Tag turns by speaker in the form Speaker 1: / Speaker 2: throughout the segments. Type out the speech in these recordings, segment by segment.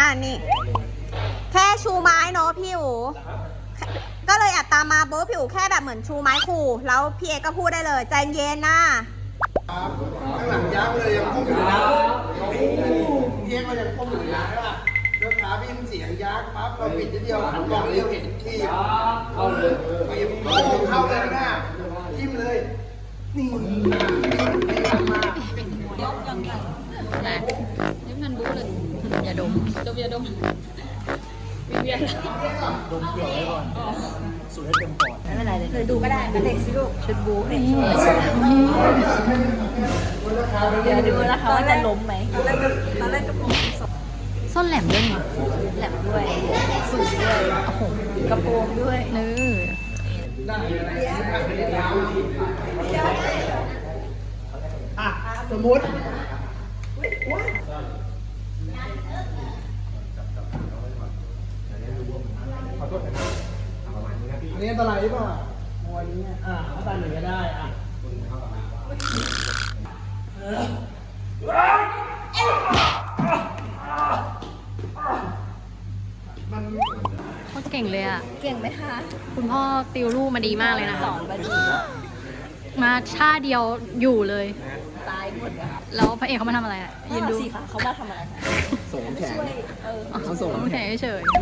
Speaker 1: นี่แค่ชูไม้เนาะพี่อู๋ก็เลยแอบตามมาโบ๊ะพี่อู๋แค่แบบเหมือนชูไม้ขู่แล้วพี่เอก็พูดได้เลยใจเย็นนะ
Speaker 2: ข้างหลังยักษ์เลยยังก้มอยู่นะเทียงเรายังก้มอยู่นะใช่ป่ะแล้วขาพี่มันเสียงยักษ์ปั๊บเราปิดนิดเดียวหันมองเดียวเห็นที่เข้าเลยโอ้เข้าเลยนะจิ้มเลยนี่มายกยังไงนะนี่มันบู๊เลยอย่าดมอย่าดมวิเวียนดมเปลือกไว้ก่อนสูดให้เต็มปอดไม่เป็นไรเลยดูก็ได้เด็กสิลูกชุดบู๊เด็กเดี๋ยวดูนะคะว่าจะล้มไหมตอนแรกกระโปรง
Speaker 3: ส้นแหลมด้วยไง
Speaker 1: แหลมด้วยสูงด้วยโอ้โหกระโปรงด้วย
Speaker 2: สมมติอันนี้อันตรายหรือเปล่าวันนี้ถ้าตายหนึ่งก็ได้
Speaker 3: โคตรเก่งเลยอ่ะ
Speaker 1: เก่งไหมคะ
Speaker 3: คุณพ่อติวลูกมาดีมากเลยนะ
Speaker 1: สอนมาดี
Speaker 3: มาชาเดียวอยู่เลย
Speaker 1: ตายหมดอะ
Speaker 3: แล้วพระเอกเขามาทำอะไรอ่ะยืนดู
Speaker 1: สิคะเขามาทำอะไร
Speaker 2: ส่งแขน
Speaker 3: เขาส่งแขนเฉย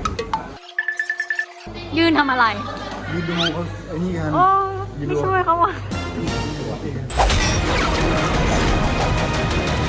Speaker 3: ยืนทำอะไร
Speaker 2: ยืนดูเขาไอ้นี่กัน
Speaker 3: โอ้ไม่ช่วยเขาอ่ะ